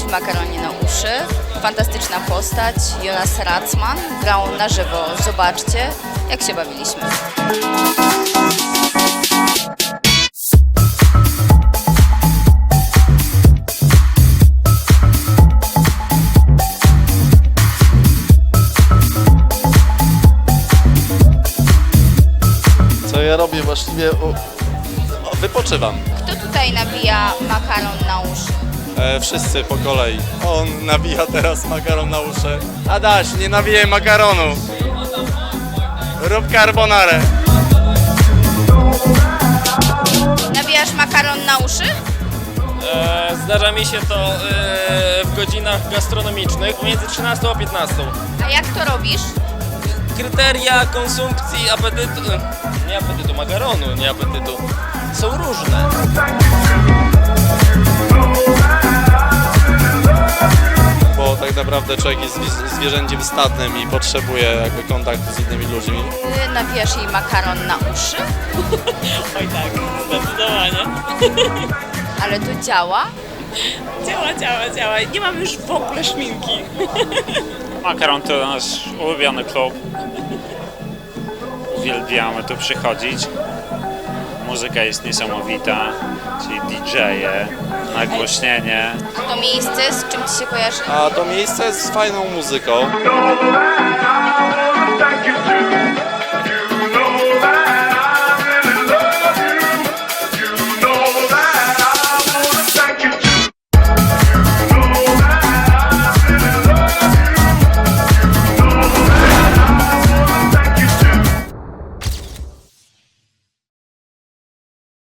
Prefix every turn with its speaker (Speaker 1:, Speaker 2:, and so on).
Speaker 1: w Makaronie na uszy. Fantastyczna postać, Jonas Ratzman, grał na żywo. Zobaczcie, jak się bawiliśmy.
Speaker 2: Co ja robię właściwie? Wypoczywam.
Speaker 1: Kto tutaj nabija makaron na uszy?
Speaker 2: Wszyscy po kolei. On nawija teraz makaron na uszy. Adaś, nie nawijaj makaronu. Rób carbonarę.
Speaker 1: Nabijasz makaron na uszy?
Speaker 3: Zdarza mi się to w godzinach gastronomicznych między 13 a 15.
Speaker 1: A jak to robisz?
Speaker 3: Kryteria konsumpcji apetytu, nie apetytu, makaronu, nie apetytu, są różne.
Speaker 2: Bo tak naprawdę człowiek jest zwierzęciem stadnym i potrzebuje jakby kontaktu z innymi ludźmi.
Speaker 1: Ty nabijasz jej makaron na uszy?
Speaker 4: Oj tak, zdecydowanie.
Speaker 1: Ale to działa?
Speaker 4: Działa. Nie mam już w ogóle szminki.
Speaker 5: Makaron to nasz ulubiony klub. Uwielbiamy tu przychodzić. Muzyka jest niesamowita, czyli DJ-e, nagłośnienie.
Speaker 1: A to miejsce z czym ci się kojarzy?
Speaker 2: A to miejsce jest z fajną muzyką.